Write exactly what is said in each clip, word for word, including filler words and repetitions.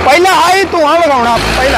ਪਹਿਲਾਂ ਹਾਈ ਧੂਆਂ ਵਗਾਉਣਾ ਪਹਿਲਾਂ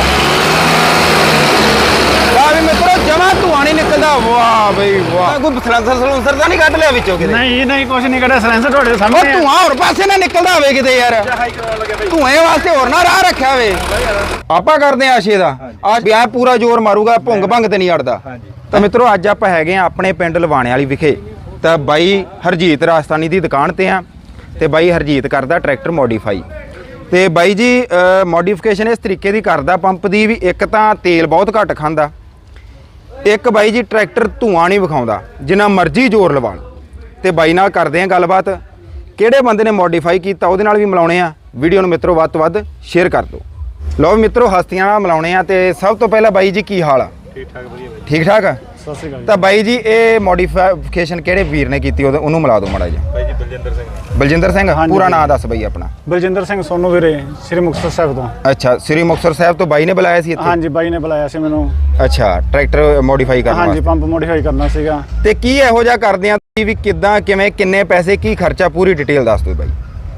ਵੀ ਮਿੱਤਰੋ ਜਮਾ ਧੂਆਂ ਨਹੀਂ ਨਿਕਲਦਾ। ਵਾਹ ਬਈ ਵਾਹ। ਕੋਈ ਸਲੈਂਸਰ ਸਲੂਸਰ ਤਾਂ ਨਹੀਂ ਕੱਢ ਲਿਆ ਵਿੱਚੋਂ ਕਿਤੇ? ਨਹੀਂ ਨਹੀਂ ਕੁਝ ਨਹੀਂ ਕੱਢਿਆ ਸਲੈਂਸਰ ਤੁਹਾਡੇ ਸਾਹਮਣੇ। ਉਹ ਧੂਆਂ ਹੋਰ ਪਾਸੇ ਨਾ ਨਿਕਲਦਾ ਹੋਵੇ ਕਿਤੇ ਯਾਰ, ਧੂਏ ਵਾਸਤੇ ਹੋਰ ਨਾ ਰਾਹ ਰੱਖਿਆ ਹੋਵੇ। ਆਪਾਂ ਕਰਦੇ ਆ ਆਸ਼ੇ ਦਾ ਅੱਜ ਐ ਪੂਰਾ ਜ਼ੋਰ ਮਾਰੂਗਾ, ਭੁੰਗ ਭੰਗ ਤੇ ਨਹੀਂ ਅੜਦਾ। ਤਾਂ ਮਿੱਤਰੋ ਅੱਜ ਆਪਾਂ ਹੈਗੇ ਆ ਆਪਣੇ ਪਿੰਡ ਲਵਾਣੇ ਵਾਲੀ ਵਿਖੇ, ਤਾਂ ਬਾਈ ਹਰਜੀਤ ਰਾਜਸਥਾਨੀ ਦੀ ਦੁਕਾਨ ਤੇ ਆ ਤੇ ਬਾਈ ਹਰਜੀਤ ਕਰਦਾ ਟਰੈਕਟਰ ਮੋਡੀਫਾਈ। ਤੇ ਬਾਈ ਜੀ ਮੋਡੀਫਿਕੇਸ਼ਨ ਇਸ ਤਰੀਕੇ ਦੀ ਕਰਦਾ ਪੰਪ ਦੀ ਵੀ, ਇੱਕ ਤਾਂ ਤੇਲ ਬਹੁਤ ਘੱਟ ਖਾਂਦਾ, ਇੱਕ ਬਾਈ ਜੀ ਟਰੈਕਟਰ ਧੂਆਂ ਨਹੀਂ ਵਿਖਾਉਂਦਾ, ਜਿੰਨਾ ਮਰਜ਼ੀ ਜ਼ੋਰ ਲਵਾ ਲਓ। ਤੇ ਬਾਈ ਨਾਲ ਕਰਦੇ ਆ ਗੱਲਬਾਤ, ਕਿਹੜੇ ਬੰਦੇ ਨੇ ਮੋਡੀਫਾਈ ਕੀਤਾ ਉਹਦੇ ਨਾਲ ਵੀ ਮਿਲਾਉਣੇ ਆ। ਵੀਡੀਓ ਨੂੰ ਮਿੱਤਰੋ ਵੱਧ ਤੋਂ ਵੱਧ ਸ਼ੇਅਰ ਕਰ ਦਿਓ। ਲਓ ਮਿੱਤਰੋ ਹਸਤੀਆਂ ਨਾਲ ਮਿਲਾਉਣੇ ਆ। ਤੇ ਸਭ ਤੋਂ ਪਹਿਲਾਂ ਬਾਈ ਜੀ ਕੀ ਹਾਲ ਆ? ਠੀਕ ਠਾਕ ਵਧੀਆ ਬਾਈ। ਠੀਕ ਠਾਕ ਆ। ਸਤਿ ਸ਼੍ਰੀ ਅਕਾਲ। ਤਾਂ ਬਾਈ ਜੀ ਇਹ ਮੋਡੀਫਿਕੇਸ਼ਨ ਕਿਹੜੇ ਵੀਰ ਨੇ ਕੀਤੀ ਉਹਨੂੰ ਮਿਲਾ ਦਿਓ ਮਾੜਾ ਜਿਹਾ। ਬਾਈ ਜੀ ਬਲਜਿੰਦਰ ਸਿੰਘ। ਬਲਜਿੰਦਰ ਸਿੰਘ, ਪੂਰਾ ਨਾਮ ਦੱਸ ਬਾਈ ਆਪਣਾ। ਬਲਜਿੰਦਰ ਸਿੰਘ ਸੋਨੂ ਵੀਰੇ, ਸ੍ਰੀ ਮੁਕਤਸਰ ਸਾਹਿਬ ਤੋਂ। ਅੱਛਾ, ਸ੍ਰੀ ਮੁਕਤਸਰ ਸਾਹਿਬ ਤੋਂ ਬਾਈ ਨੇ ਬੁਲਾਇਆ ਸੀ ਇੱਥੇ? ਹਾਂਜੀ ਬਾਈ ਨੇ ਬੁਲਾਇਆ ਸੀ ਮੈਨੂੰ। ਅੱਛਾ, ਟਰੈਕਟਰ ਮੋਡੀਫਾਈ ਕਰਨ ਵਾਸਤੇ? ਹਾਂਜੀ ਪੰਪ ਮੋਡੀਫਾਈ ਕਰਨਾ ਸੀਗਾ। ਤੇ ਕੀ ਇਹੋ ਜਿਹਾ ਕਰਦੇ ਆ ਵੀ ਕਿੱਦਾਂ ਕਿਵੇਂ ਕਿੰਨੇ ਪੈਸੇ ਕੀ ਖਰਚਾ ਪੂਰੀ ਡਿਟੇਲ ਦੱਸ ਦਿਓ ਬਾਈ।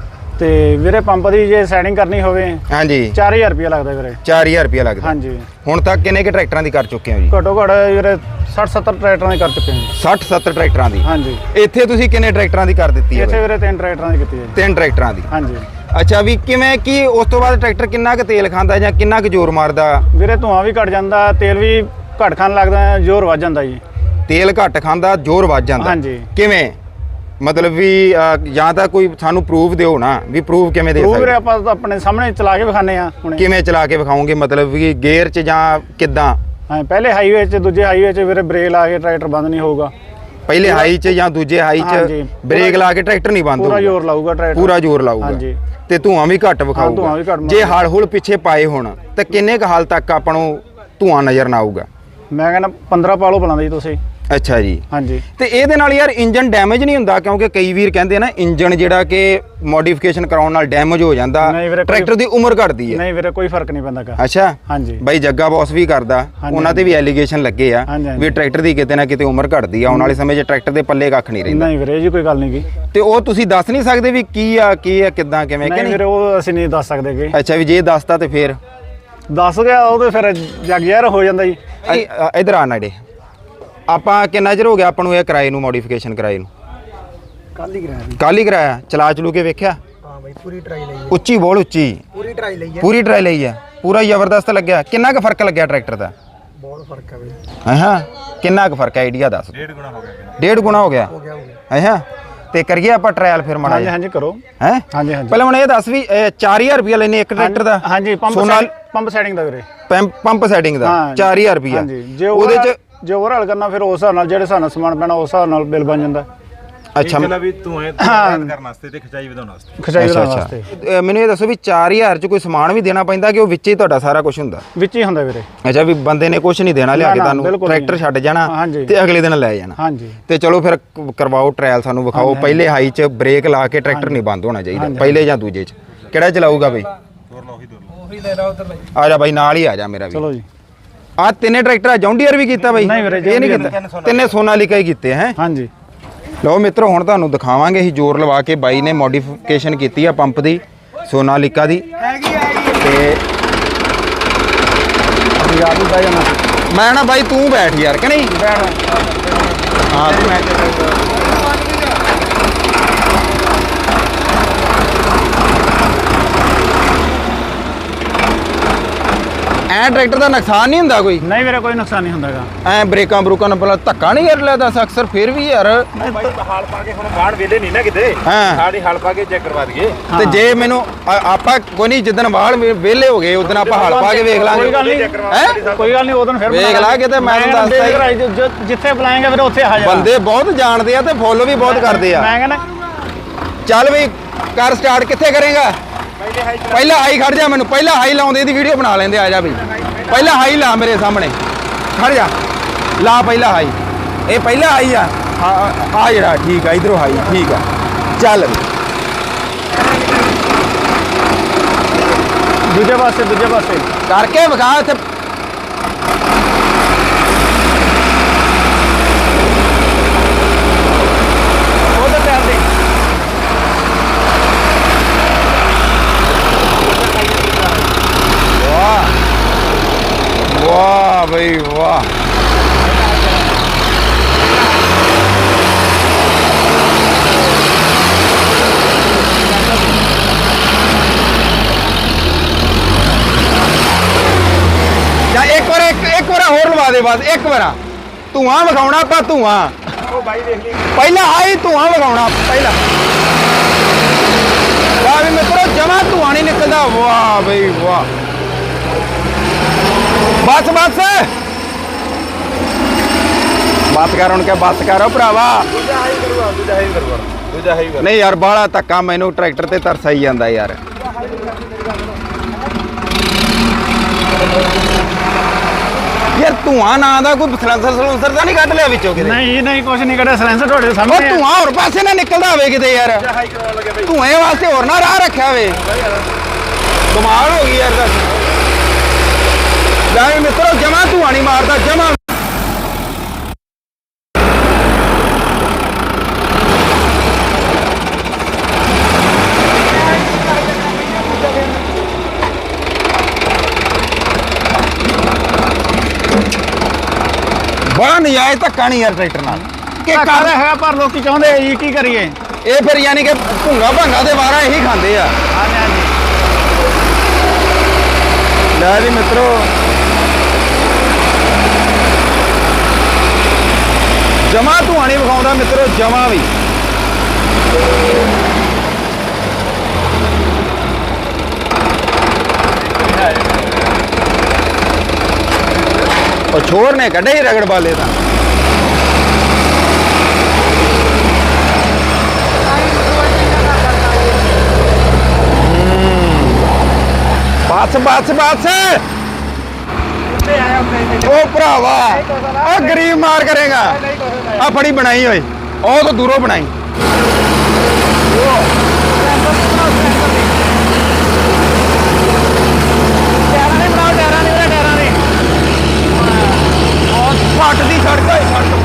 ਤੇ ਵੀਰੇ ਪੰਪ ਦੀ ਜੇ ਸੈਟਿੰਗ ਕਰਨੀ ਹੋਵੇ ਹਾਂਜੀ ਚਾਰ ਹਜ਼ਾਰ ਰੁਪਇਆ ਲੱਗਦਾ ਵੀਰੇ। ਚਾਰ ਹਜ਼ਾਰ ਰੁਪਇਆ ਲੱਗਦਾ। ਹਾਂਜੀ। ਹੁਣ ਤੱਕ ਕਿੰਨੇ ਕਿ ਟਰੈਕਟਰਾਂ ਦੀ ਕਰ ਚੁੱਕੇ ਹੋ ਜੀ? ਘੱਟੋ ਘੱਟ ਵੀਰੇ ਸੱਠ ਸੱਤਰ ਟਰੈਕਟਰਾਂ ਦੀ ਕਰ ਚੁੱਕੇ ਹਾਂ। ਸੱਠ ਸੱਤਰ ਟਰੈਕਟਰਾਂ ਦੀ? ਹਾਂਜੀ। ਇੱਥੇ ਤੁਸੀਂ ਕਿੰਨੇ ਟਰੈਕਟਰਾਂ ਦੀ ਕਰ ਦਿੱਤੀ ਹੈ? ਇੱਥੇ ਵੀਰੇ ਤਿੰਨ ਟਰੈਕਟਰਾਂ ਦੀ ਕੀਤੀ ਹੈ। ਤਿੰਨ ਟਰੈਕਟਰਾਂ ਦੀ? ਹਾਂਜੀ। ਅੱਛਾ, ਵੀ ਕਿਵੇਂ ਕੀ ਉਸ ਤੋਂ ਬਾਅਦ ਟਰੈਕਟਰ ਕਿੰਨਾ ਕੁ ਤੇਲ ਖਾਂਦਾ ਜਾਂ ਕਿੰਨਾ ਕੁ ਜ਼ੋਰ ਮਾਰਦਾ? ਵੀਰੇ ਧੂਆਂ ਵੀ ਘਟ ਜਾਂਦਾ, ਤੇਲ ਵੀ ਘੱਟ ਖਾਣ ਲੱਗਦਾ, ਜ਼ੋਰ ਵੱਧ ਜਾਂਦਾ ਜੀ। ਤੇਲ ਘੱਟ ਖਾਂਦਾ, ਜ਼ੋਰ ਵੱਧ ਜਾਂਦਾ? ਹਾਂਜੀ। ਕਿਵੇਂ ਮਤਲਬ ਵੀ ਜਾਂ ਤਾਂ ਕੋਈ ਸਾਨੂੰ ਪ੍ਰੂਫ ਦਿਓ ਨਾ, ਵੀ ਪ੍ਰੂਫ ਕਿਵੇਂ ਦੇ ਸਕਦੇ? ਵੀਰੇ ਆਪਾਂ ਤਾਂ ਆਪਣੇ ਸਾਹਮਣੇ ਚਲਾ ਕੇ ਵਿਖਾਣੇ ਆ ਹੁਣੇ। ਕਿਵੇਂ ਚਲਾ ਕੇ ਵਿਖਾਓਗੇ? ਮਤਲਬ ਵੀ ਗੇਅਰ 'ਚ ਜਾਂ ਕਿੱਦਾਂ? ਹਾਂ ਪਹਿਲੇ ਹਾਈਵੇ 'ਚ, ਦੂਜੇ ਹਾਈਵੇ 'ਚ ਵੀਰੇ ਬ੍ਰੇਕ ਲਾ ਕੇ ਟਰੈਕਟਰ ਬੰਦ ਨਹੀਂ ਹੋਊਗਾ। ਪਹਿਲੇ ਹਾਈ 'ਚ ਜਾਂ ਦੂਜੇ ਹਾਈ 'ਚ ਬ੍ਰੇਕ ਲਾ ਕੇ ਟਰੈਕਟਰ ਨਹੀਂ ਬੰਦ ਹੋਊਗਾ? ਪੂਰਾ ਜ਼ੋਰ ਲਾਊਗਾ ਟਰੈਕਟਰ, ਪੂਰਾ ਜ਼ੋਰ ਲਾਊਗਾ। ਹਾਂਜੀ। ਤੇ ਧੂਆਂ ਵੀ ਘੱਟ ਵਿਖਾਊਗਾ। ਜੇ ਹਲ ਹੁਲ ਪਿੱਛੇ ਪਾਏ ਹੋਣ ਤਾਂ ਕਿੰਨੇ ਕੁ ਹਾਲ ਤੱਕ ਆਪਾਂ ਨੂੰ ਧੂਆਂ ਨਜ਼ਰ ਨਾ ਆਊਗਾ? ਮੈਂ ਕਹਿੰਦਾ ਪੰਦਰਾਂ ਪਾਲੋ ਬੁਲਾਉਂਦੇ ਜੀ ਤੁਸੀਂ। ਅੱਛਾ ਜੀ। ਹਾਂਜੀ। ਤੇ ਇਹਦੇ ਨਾਲ ਯਾਰ ਇੰਜਨ ਡੈਮੇਜ ਨਹੀਂ ਹੁੰਦਾ? ਕਿਉਂਕਿ ਕਈ ਵੀਰ ਕਹਿੰਦੇ ਨਾ ਇੰਜਨ ਜਿਹੜਾ ਕਿ ਮੋਡੀਫਿਕੇਸ਼ਨ ਕਰਾਉਣ ਨਾਲ ਡੈਮੇਜ ਹੋ ਜਾਂਦਾ, ਟਰੈਕਟਰ ਦੀ ਉਮਰ ਘਟਦੀ ਹੈ। ਨਹੀਂ ਵੀਰੇ ਕੋਈ ਫਰਕ ਨਹੀਂ ਪੈਂਦਾ। ਅੱਛਾ। ਹਾਂਜੀ। ਬਾਈ ਜੱਗਾ ਬੌਸ ਵੀ ਕਰਦਾ, ਉਹਨਾਂ ਤੇ ਵੀ ਐਲੀਗੇਸ਼ਨ ਲੱਗੇ ਆ ਵੀ ਟਰੈਕਟਰ ਦੀ ਕਿਤੇ ਨਾ ਕਿਤੇ ਉਮਰ ਘਟਦੀ ਆ, ਆਉਣ ਵਾਲੇ ਸਮੇਂ 'ਚ ਟਰੈਕਟਰ ਦੇ ਪੱਲੇ ਕੱਖ ਨਹੀਂ ਰਹਿੰਦਾ। ਨਹੀਂ ਵੀਰੇ ਜੀ ਕੋਈ ਗੱਲ ਨਹੀਂ ਗੀ। ਤੇ ਉਹ ਤੁਸੀਂ ਦੱਸ ਨਹੀਂ ਸਕਦੇ ਵੀ ਕੀ ਆ ਕੀ ਆ ਕਿੱਦਾਂ ਕਿਵੇਂ? ਨਹੀਂ ਵੀਰੇ ਉਹ ਅਸੀਂ ਨਹੀਂ ਦੱਸ ਸਕਦੇ ਗੇ। ਅੱਛਾ, ਵੀ ਜੇ ਦੱਸਤਾ ਤੇ ਫੇਰ ਦੱਸ ਗਿਆ ਉਹ ਤੇ ਫਿਰ ਜੱਗ ਯਾਰ ਹੋ ਜਾਂਦਾ ਜੀ। ਇਧਰ ਆ ਨਾੜੇ, ਆਪਾਂ ਕਿੰਨਾ ਚਿਰ ਹੋ ਗਿਆ ਆਪਾਂ ਨੂੰ ਇਹ ਕਿਰਾਏ ਨੂੰ ਮੋਡੀਫਿਕੇਸ਼ਨ ਕਿਰਾਏ ਨੂੰ? ਕੱਲ ਹੀ ਕਰਾਇਆ। ਕੱਲ ਹੀ ਕਰਾਇਆ? ਚਲਾ ਚਲੂ ਕੇ ਵੇਖਿਆ? ਹਾਂ ਬਾਈ ਪੂਰੀ ਟਰਾਈ ਲਈ ਹੈ। ਉੱਚੀ ਬੋਲ, ਉੱਚੀ। ਪੂਰੀ ਟਰਾਈ ਲਈ ਹੈ। ਪੂਰੀ ਟਰਾਈ ਲਈ ਆ? ਪੂਰਾ ਜ਼ਬਰਦਸਤ ਲੱਗਿਆ? ਕਿੰਨਾ ਕੁ ਫਰਕ ਲੱਗਿਆ ਟਰੈਕਟਰ ਦਾ? ਬਹੁਤ ਫਰਕ ਹੈ ਬਾਈ। ਹਾਂ, ਕਿੰਨਾ ਕੁ ਫਰਕ ਹੈ? ਆਈਡੀਆ ਦੱਸ। ਡੇਢ ਗੁਣਾ ਹੋ ਗਿਆ। ਡੇਢ ਗੁਣਾ ਹੋ ਗਿਆ? ਹੋ ਗਿਆ ਹੋ ਗਿਆ। ਹਾਂ, ਤੇ ਕਰੀਏ ਆਪਾਂ ਟ੍ਰਾਇਲ ਫਿਰ ਮਾੜਾ ਹਾਂਜੀ ਹਾਂਜੀ ਕਰੋ। ਹੈ ਹਾਂਜੀ ਹਾਂਜੀ। ਪਹਿਲਾਂ ਹੁਣ ਇਹ ਦੱਸ ਵੀ ਚਾਰ ਹਜ਼ਾਰ ਰੁਪਇਆ ਲੈਨੇ ਇੱਕ ਟਰੈਕਟਰ ਦਾ? ਹਾਂਜੀ। ਪੰਪ ਪੰਪ ਸੈਟਿੰਗ ਦਾ ਵੀਰੇ। ਪੰਪ ਸੈਟਿੰਗ ਦਾ ਚਾਰ ਹਜ਼ਾਰ ਰੁਪਇਆ? ਹਾਂਜੀ। ਜੇ ਉਹਦੇ ਚ ਜੇ ਓਵਰਹਾਲ ਕਰਨਾ ਫਿਰ ਉਸ ਹਿਸਾਬ ਨਾਲ ਜਿਹੜੇ ਹਿਸਾਬ ਨਾਲ ਸਮਾਨ ਪੈਣਾ ਉਸ ਹਿਸਾਬ ਨਾਲ ਬਿੱਲ ਬਣ ਜਾਂਦਾ। ਅੱਛਾ, ਮਤਲਬ ਵੀ ਧੂਏ ਕਰਨ ਵਾਸਤੇ ਤੇ ਖਿਚਾਈ ਵਧਾਉਣ ਵਾਸਤੇ। ਖਿਚਾਈ ਵਧਾਉਣ ਵਾਸਤੇ। ਮੈਨੂੰ ਇਹ ਦੱਸੋ ਵੀ ਚਾਰ ਹਜ਼ਾਰ 'ਚ ਕੋਈ ਸਮਾਨ ਵੀ ਦੇਣਾ ਪੈਂਦਾ ਕਿ ਉਹ ਵਿੱਚ ਹੀ ਤੁਹਾਡਾ ਸਾਰਾ ਕੁਝ ਹੁੰਦਾ? ਵਿੱਚ ਹੀ ਹੁੰਦਾ ਵੀਰੇ। ਅੱਛਾ, ਵੀ ਬੰਦੇ ਨੇ ਕੁਝ ਨਹੀਂ ਦੇਣਾ ਲਿਆ ਕੇ ਤੁਹਾਨੂੰ, ਟਰੈਕਟਰ ਛੱਡ ਜਾਣਾ ਤੇ ਅਗਲੇ ਦਿਨ ਲੈ ਜਾਣਾ? ਹਾਂਜੀ। ਤੇ ਚਲੋ ਫਿਰ ਕਰਵਾਓ ਟ੍ਰਾਇਲ, ਸਾਨੂੰ ਵਿਖਾਓ। ਪਹਿਲੇ ਹਾਈ 'ਚ ਬ੍ਰੇਕ ਲਾ ਕੇ ਟਰੈਕਟਰ ਨਹੀਂ ਬੰਦ ਹੋਣਾ ਚਾਹੀਦਾ, ਪਹਿਲੇ ਜਾਂ ਦੂਜੇ 'ਚ ਕਿਹੜਾ ਚਲਾਊਗਾ ਬਈ? ਆ ਜਾ ਬਾਈ, ਨਾਲ ਹੀ ਆ ਜਾ ਮੇਰਾ ਵੀ। ਚਲੋ ਜੀ। ਆ ਤਿੰਨੇ ਟਰੈਕਟਰ ਆ? ਜੌਂਡੀਅਰ ਵੀ ਕੀਤਾ ਬਾਈ? ਨਹੀਂ ਵੀਰੇ, ਇਹ ਨਹੀਂ ਕੀਤਾ, ਤਿੰਨੇ ਸੋਨਾਲੀਕਾ ਹੀ ਕੀਤੇ ਹੈ? ਹਾਂਜੀ। ਲਓ ਮਿੱਤਰੋ ਹੁਣ ਤੁਹਾਨੂੰ ਦਿਖਾਵਾਂਗੇ ਅਸੀਂ ਜ਼ੋਰ ਲਵਾ ਕੇ ਬਾਈ ਨੇ ਮੋਡੀਫਿਕੇਸ਼ਨ ਕੀਤੀ ਆ ਪੰਪ ਦੀ, ਸੋਨਾਲੀਕਾ ਦੀ। ਤੇ ਯਾਰ ਵੀ ਬਹਿ ਜਾਣਾ। ਮੈਂ ਨਾ ਬਾਈ ਤੂੰ ਬੈਠ ਯਾਰ ਕਿ ਨਹੀਂ? ਹਾਂ ਤੂੰ ਐ ਟਰੈਕਟਰ ਦਾ ਨੁਕਸਾਨ ਨਹੀਂ ਹੁੰਦਾ ਕੋਈ? ਨਹੀਂ ਵੀਰੇ ਕੋਈ ਨੁਕਸਾਨ ਨਹੀਂ ਹੁੰਦਾਗਾ। ਐ ਬ੍ਰੇਕਾਂ ਬਰੂਕਾਂ ਨਾਲ ਪਹਿਲਾਂ ਧੱਕਾ ਨਹੀਂ ਕਰ ਲੈਦਾ ਅਕਸਰ? ਫਿਰ ਵੀ ਯਾਰ ਹਾਲ ਪਾ ਕੇ ਹੁਣ ਬਾੜ ਵੇਲੇ ਨਹੀਂ ਨਾ ਕਿਤੇ, ਹਾਂ ਸਾਡੀ ਹਾਲ ਪਾ ਕੇ ਚੈੱਕ ਕਰਵਾ ਦਈਏ। ਤੇ ਜੇ ਮੈਨੂੰ ਆਪਾਂ ਕੋਈ ਨਹੀਂ, ਜਿੱਦਣ ਵਾਲ ਵਿਹਲੇ ਹੋ ਗਏ ਉਦੋਂ ਆਪਾਂ ਹਲ ਪਾ ਕੇ ਵੇਖ ਲਾਂਗੇ। ਕੋਈ ਗੱਲ ਨਹੀਂ ਹੈ, ਕੋਈ ਗੱਲ ਨਹੀਂ। ਉਦੋਂ ਫਿਰ ਵੇਖ ਲਾ ਕਿਤੇ, ਮੈਂ ਤੁਹਾਨੂੰ ਦੱਸਦਾ ਜਿੱਥੇ ਬੁਲਾਏਗਾ ਫਿਰ ਉੱਥੇ ਹਾਜ਼ਰ। ਬੰਦੇ ਬਹੁਤ ਜਾਣਦੇ ਆ ਤੇ ਫੋਲੋ ਵੀ ਬਹੁਤ ਕਰਦੇ ਆ। ਮੈਂ ਕਹਿੰਦਾ ਚੱਲ ਵੀ ਕਰ ਸਟਾਰਟ। ਕਿੱਥੇ ਕਰੇਗਾ? ਪਹਿਲਾਂ ਹਾਈ ਖੜ ਜਾ, ਮੈਨੂੰ ਪਹਿਲਾਂ ਹਾਈ ਲਾਉਂਦੇ ਦੀ ਵੀਡੀਓ ਬਣਾ ਲੈਂਦੇ। ਆ ਜਾ ਬਈ, ਪਹਿਲਾਂ ਹਾਈ ਲਾ ਮੇਰੇ ਸਾਹਮਣੇ, ਖੜ ਜਾ, ਲਾ ਪਹਿਲਾਂ ਹਾਈ। ਇਹ ਪਹਿਲਾਂ ਹਾਈ ਆ, ਆ ਜਿਹੜਾ ਠੀਕ ਆ, ਇਧਰੋਂ ਹਾਈ ਠੀਕ ਆ। ਚੱਲ ਦੂਜੇ ਪਾਸੇ, ਦੂਜੇ ਪਾਸੇ ਕਰਕੇ ਵਿਖਾ ਇੱਥੇ। ਉਹਦੇ ਪੈਰ ਦੇ ਬਈ ਵਾਹ। ਜਾਂ ਇੱਕ ਵਾਰ ਇੱਕ ਇੱਕ ਵਾਰ ਹੋਰ ਲਵਾ ਦੇ ਬਸ ਇੱਕ ਵਾਰ ਧੂਆਂ ਵਿਖਾਉਣਾ ਆਪਾਂ ਧੂਆਂ ਉਹ ਬਾਈ ਦੇਖ ਲਈ ਪਹਿਲਾਂ ਆਈ ਧੂਆਂ ਵਿਖਾਉਣਾ ਪਹਿਲਾਂ ਵਾਹ ਵੀ ਮਿੱਤਰੋ ਜਮਾ ਧੂਆਂ ਨਹੀਂ ਨਿਕਲਦਾ ਵਾਹ ਬਈ ਵਾਹ ਬਸ ਬਸ ਬਾਤ ਕਰ ਹੁਣ ਕਿ ਬਾਤ ਕਰੋ ਭਰਾਵਾ ਦੂਜਾ ਹਾਈ ਕਰਵਾ ਦੂਜਾ ਹਾਈ ਕਰਵਾ ਦੂਜਾ ਹਾਈ ਕਰ ਨਹੀਂ ਯਾਰ ਬਾਹਲਾ ਧੱਕਾ ਮੈਨੂੰ ਟਰੈਕਟਰ ਤੇ ਤਰਸ ਆਈ ਜਾਂਦਾ ਯਾਰ ਯਾਰ ਧੂਆਂ ਨਾਂ ਦਾ ਕੋਈ ਸਲੈਂਸਰ ਸਲੂਸਰ ਤਾਂ ਨਹੀਂ ਕੱਢ ਲਿਆ ਵਿੱਚੋਂ ਕਿਤੇ ਨਹੀਂ ਨਹੀਂ ਕੁਝ ਨਹੀਂ ਕਰਿਆ ਸਲੈਂਸਰ ਤੁਹਾਡੇ ਉਹ ਸਾਹਮਣੇ ਧੂਆਂ ਹੋਰ ਪਾਸੇ ਨਾ ਨਿਕਲਦਾ ਹੋਵੇ ਕਿਤੇ ਯਾਰ ਦੂਜਾ ਹਾਈ ਕਰਵਾ ਲੱਗੇ ਬਾਈ ਧੂਏ ਵਾਸਤੇ ਹੋਰ ਨਾ ਰਾਹ ਰੱਖਿਆ ਹੋਵੇ ਕਮਾਲ ਹੋ ਗਈ ਯਾਰ ਦਾ ਲੈ ਵੀ ਮਿੱਤਰੋ ਜਮਾ ਧੂਆਂ ਨਹੀਂ ਮਾਰਦਾ ਜਮਾ ਬੜਾ ਨਜਾਇਜ਼ ਧੱਕਾ ਨਹੀਂ ਯਾਰ ਟਰੈਕਟਰ ਨਾਲ ਕਿ ਧੱਕਾ ਕਰ ਤਾਂ ਹੈਗਾ ਪਰ ਲੋਕੀ ਚਾਹੁੰਦੇ ਆ ਜੀ ਕੀ ਕਰੀਏ ਇਹ ਫਿਰ ਯਾਨੀ ਕਿ ਭੁੰਗਾ ਭੰਗਾ ਦੇ ਵਾਰਾ ਇਹੀ ਖਾਂਦੇ ਆ ਹਾਂਜੀ ਹਾਂਜੀ ਲੈ ਵੀ ਮਿੱਤਰੋ ਜਮਾ ਧੂਆਂ ਨਹੀਂ ਵਿਖਾਉਂਦਾ ਮਿੱਤਰੋ ਜਮਾ ਵੀ ਉਹ ਛੋਰ ਨੇ ਕੱਢੇ ਹੀ ਰਗੜ ਬਾਲੇ ਤਾਂ ਬਸ ਬਸ ਬਸ ਉਹ ਭਰਾਵਾ ਆ ਗਰੀਬ ਮਾਰ ਕਰੇਗਾ ਆ ਫੜੀ ਬਣਾਈ ਓਏ ਉਹ ਤਾਂ ਦੂਰੋਂ ਬਣਾਈ ਟਾਇਰਾਂ ਨਹੀਂ ਬਣਾਓ ਟਾਇਰਾਂ ਨਹੀਂ ਵੀਰੇ ਟਾਇਰਾਂ ਨਹੀਂ ਪੱਟ ਦੀ ਸੜਕ ਓਏ ਸੜਕ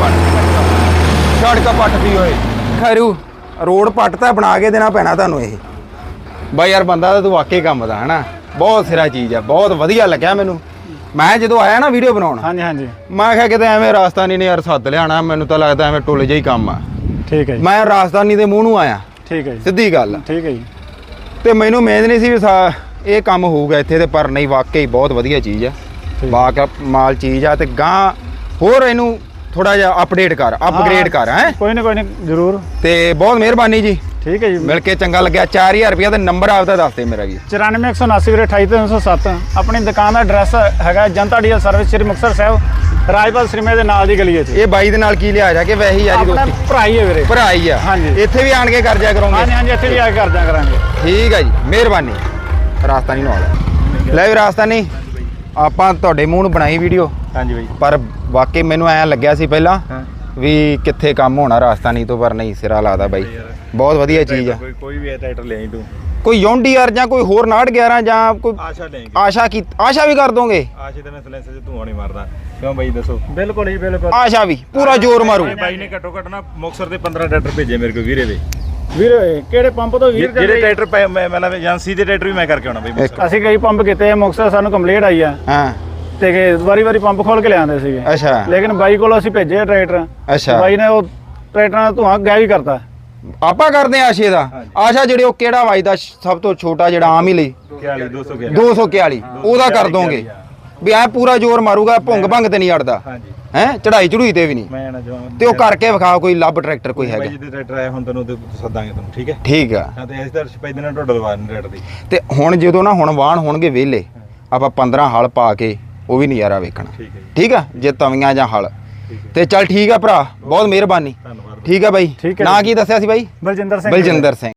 ਪੱਟ ਸੜਕ ਪੱਟ ਦੀ ਓਏ ਖਰੂ ਰੋਡ ਪੱਟ ਤਾਂ ਬਣਾ ਕੇ ਦੇਣਾ ਪੈਣਾ ਤੁਹਾਨੂੰ ਇਹ ਬਾਈ ਯਾਰ ਬੰਦਾ ਤਾਂ ਤੂੰ ਵਾਕਈ ਕੰਮ ਦਾ ਹਨਾ ਬਹੁਤ ਸਿਰਾ ਚੀਜ਼ ਆ ਬਹੁਤ ਵਧੀਆ ਲੱਗਿਆ ਮੈਨੂੰ ਮੈਂ ਜਦੋਂ ਆਇਆ ਨਾ ਵੀਡੀਓ ਬਣਾਉਣ ਹਾਂਜੀ ਹਾਂਜੀ ਮੈਂ ਕਿਹਾ ਕਿਤੇ ਐਵੇਂ ਰਾਜਸਥਾਨੀ ਨੇ ਯਾਰ ਸੱਦ ਲਿਆਣਾ ਮੈਨੂੰ ਤਾਂ ਲੱਗਦਾ ਐਵੇਂ ਟੁੱਲ ਜਿਹਾ ਹੀ ਕੰਮ ਆ ਠੀਕ ਹੈ ਜੀ ਮੈਂ ਰਾਜਸਥਾਨੀ ਦੇ ਮੂੰਹ ਨੂੰ ਆਇਆ ਠੀਕ ਹੈ ਜੀ ਸਿੱਧੀ ਗੱਲ ਆ। ਠੀਕ ਹੈ ਜੀ ਤੇ ਮੈਨੂੰ ਉਮੀਦ ਨਹੀਂ ਸੀ ਵੀ ਸਾ- ਇਹ ਕੰਮ ਹੋਊਗਾ ਇੱਥੇ ਤੇ ਪਰ ਨਹੀਂ ਵਾਕਈ ਬਹੁਤ ਵਧੀਆ ਚੀਜ਼ ਆ ਬਾਕ ਮਾਲ ਚੀਜ਼ ਆ ਤੇ ਗਾਂ ਹੋਰ ਇਹਨੂੰ ਥੋੜਾ ਜਿਹਾ ਅਪਡੇਟ ਕਰ ਅਪਗ੍ਰੇਡ ਕਰ ਹੈ ਕੋਈ ਨਾ ਕੋਈ ਨਾ ਜ਼ਰੂਰ ਤੇ ਬਹੁਤ ਮਿਹਰਬਾਨੀ ਜੀ ਠੀਕ ਹੈ ਜੀ ਮਿਲ ਕੇ ਚੰਗਾ ਲੱਗਿਆ ਚਾਰ ਹਜ਼ਾਰ ਰੁਪਇਆ ਤੇ ਨੰਬਰ ਆਪਦਾ ਦੱਸ ਦੇ ਮੇਰਾ ਵੀ ਚੁਰਾਨਵੇਂ ਇੱਕ ਸੌ ਉਨਾਸੀ ਵੀਰੇ ਅਠਾਈ ਤਿੰਨ ਸੌ ਸੱਤ ਆਪਣੀ ਦੁਕਾਨ ਦਾ ਐਡਰੈਸ ਹੈਗਾ ਜਨਤਾ ਡੀਐਲ ਸਰਵਿਸ ਸ੍ਰੀ ਮੁਕਤਸਰ ਸਾਹਿਬ ਰਾਜਪਾਲ ਸਿਨੇਮੇ ਦੇ ਨਾਲ ਦੀ ਗਲੀ ਹੈ ਜੀ ਇਹ ਬਾਈ ਦੇ ਨਾਲ ਕੀ ਲਿਆ ਜਾ ਕੇ ਵੈਸੇ ਹੀ ਆ ਜੀ ਆਪਣਾ ਦੋਸਤੀ ਭਰਾ ਹੀ ਹੈ ਵੀਰੇ ਭਰਾ ਹੀ ਆ ਹਾਂਜੀ। ਇੱਥੇ ਵੀ ਆਣ ਕੇ ਕਰ ਜਾ ਕਰੋਗੇ ਹਾਂਜੀ ਹਾਂਜੀ ਇੱਥੇ ਵੀ ਆ ਕੇ ਕਰਦਿਆਂ ਕਰਾਂਗੇ ਠੀਕ ਹੈ ਜੀ ਮਿਹਰਬਾਨੀ ਰਾਜਸਥਾਨੀ ਨਾਲ ਲੈ ਵੀ ਰਾਜਸਥਾਨੀ ਆਪਾਂ ਤੁਹਾਡੇ ਮੂੰਹ ਨੂੰ ਬਣਾਈ ਵੀਡੀਓ ਹਾਂਜੀ ਬਾਈ ਪਰ ਵਾਕਈ ਮੈਨੂੰ ਐਂ ਲੱਗਿਆ ਸੀ ਪਹਿਲਾਂ ਹਾਂ ਵੀ ਕਿੱਥੇ ਕੰਮ ਹੋਣਾ ਰਾਜਸਥਾਨੀ ਤੋਂ ਪਰ ਨਹੀਂ ਸਿਰਾ ਲਾਦਾ ਬਾਈ ਬਹੁਤ ਵਧੀਆ ਚੀਜ਼ ਆ ਕੋਈ ਕੋਈ ਵੀ ਟਰੈਕਟਰ ਲੈ ਆਈ ਤੂੰ ਕੋਈ ਯੌਂਡੀਆਰ ਜਾਂ ਕੋਈ ਹੋਰ ਨਾਟ ਗਿਆਰਾਂ ਜਾਂ ਕੋਈ ਆਸ਼ਾ ਲੈ ਆਸ਼ਾ ਕੀ ਆਸ਼ਾ ਵੀ ਕਰ ਦੋਗੇ ਆਸ਼ੇ ਤੇ ਮੈਂ ਸਲੈਂਸਰ ਚ ਧੂਆਂ ਨਹੀਂ ਮਾਰਦਾ ਕਿਉਂ ਬਾਈ ਦੱਸੋ ਬਿਲਕੁਲ ਜੀ ਬਿਲਕੁਲ ਆਸ਼ਾ ਵੀ ਪੂਰਾ ਜ਼ੋਰ ਮਾਰੂ ਇਹ ਬਾਈ ਨੇ ਘੱਟੋ ਘੱਟ ਨਾ ਮੁਕਤਸਰ ਦੇ ਪੰਦਰਾਂ ਟਰੈਕਟਰ ਭੇਜੇ ਮੇਰੇ ਕੋਲ ਵੀਰੇ ਦੇ ਵੀਰੇ ਕਿਹੜੇ ਪੰਪ ਤੋਂ ਵੀਰ ਜਿਹੜੇ ਟਰੈਕਟਰ ਪਏ ਮੈਂ ਮਤਲਬ ਏਜੰਸੀ ਦੇ ਟਰੈਕਟਰ ਵੀ ਮੈਂ ਕਰਕੇ ਆਉਣਾ ਬਾਈ ਮੁਕਤਸਰ। ਅਸੀਂ ਕਈ ਪੰਪ ਕੀਤੇ ਆ ਮੁਕਤਸਰ ਸਾਨੂੰ ਕੰਪਲੀਟ ਆਈ ਆ ਹਾਂ ਤੇ ਵਾਰੀ ਵਾਰੀ ਪੰਪ ਖੋਲ ਕੇ ਲਿਆਉਂਦੇ ਸੀਗੇ ਅੱਛਾ ਲੇਕਿਨ ਬਾਈ ਕੋਲ ਅਸੀਂ ਭੇਜੇ ਆ ਟਰੈਕਟਰ ਅੱਛਾ ਬਾਈ ਨੇ ਉਹ ਟਰੈਕਟਰਾਂ ਦਾ ਧੂਆਂ ਗਾਇਬ ਕਰਤਾ ਆਪਾਂ ਕਰਦੇ ਆ ਆਸ਼ੇ ਦਾ ਆਸ਼ਾ ਜਿਹੜੇ ਉਹ ਕਿਹੜਾ ਵੱਜਦਾ ਸਭ ਤੋਂ ਛੋਟਾ ਜਿਹੜਾ ਆਮ ਹੀ ਲਈ ਇਕਤਾਲੀ ਦੋ ਸੌ ਗਿਆਰਾਂ ਦੋ ਸੌ ਇਕਤਾਲੀ ਉਹਦਾ ਕਰ ਦੋਗੇ ਵੀ ਐ ਪੂਰਾ ਜ਼ੋਰ ਮਾਰੂਗਾ ਭੁੰਗ ਭੰਗ ਤੇ ਨਹੀਂ ਅੜਦਾ ਹਾਂਜੀ ਹੈ ਚੜਾਈ ਚੜੂਈ ਤੇ ਵੀ ਨਹੀਂ ਮੈਂ ਨਾ ਜਵਾਨ ਤੇ ਉਹ ਕਰਕੇ ਵਿਖਾ ਕੋਈ ਲੱਭ ਟਰੈਕਟਰ ਕੋਈ ਹੈਗਾ ਬਾਈ ਜਿਹਦੇ ਟਰੈਕਟਰ ਆਇਆ ਹੁਣ ਤੈਨੂੰ ਉਹਦੇ ਸੱਦਾਂਗੇ ਤੁਹਾਨੂੰ ਠੀਕ ਹੈ ਠੀਕ ਆ ਹਾਂ ਤੇ ਅਸੀਂ ਤਾਂ ਸਪੈਦ ਨਾਲ ਟੋਟਲ ਵਾਰਨ ਟਰੈਕਟਰ ਦੀ ਤੇ ਹੁਣ ਜਦੋਂ ਨਾ ਹੁਣ ਵਾਹਣ ਹੋਣਗੇ ਵਿਹਲੇ ਆਪਾਂ ਪੰਦਰਾਂ ਹਲ ਪਾ ਕੇ ਉਹ ਵੀ ਨਜ਼ਾਰਾ ਵੇਖਣਾ ਠੀਕ ਹੈ ਜੀ ਠੀਕ ਆ ਜੇ ਤਵੀਆਂ ਜਾਂ ਹਲ ਠੀਕ ਹੈ ਤੇ ਚੱਲ ਠੀਕ ਆ ਭਰਾ ਬਹੁਤ ਮਿਹਰਬਾਨੀ ਧੰਨਵਾਦ ਠੀਕ ਆ ਬਾਈ ਠੀਕ ਹੈ ਨਾਂ ਕੀ ਦੱਸਿਆ ਸੀ ਬਾਈ ਬਲਜਿੰਦਰ ਸਿੰਘ ਬਲਜਿੰਦਰ ਸਿੰਘ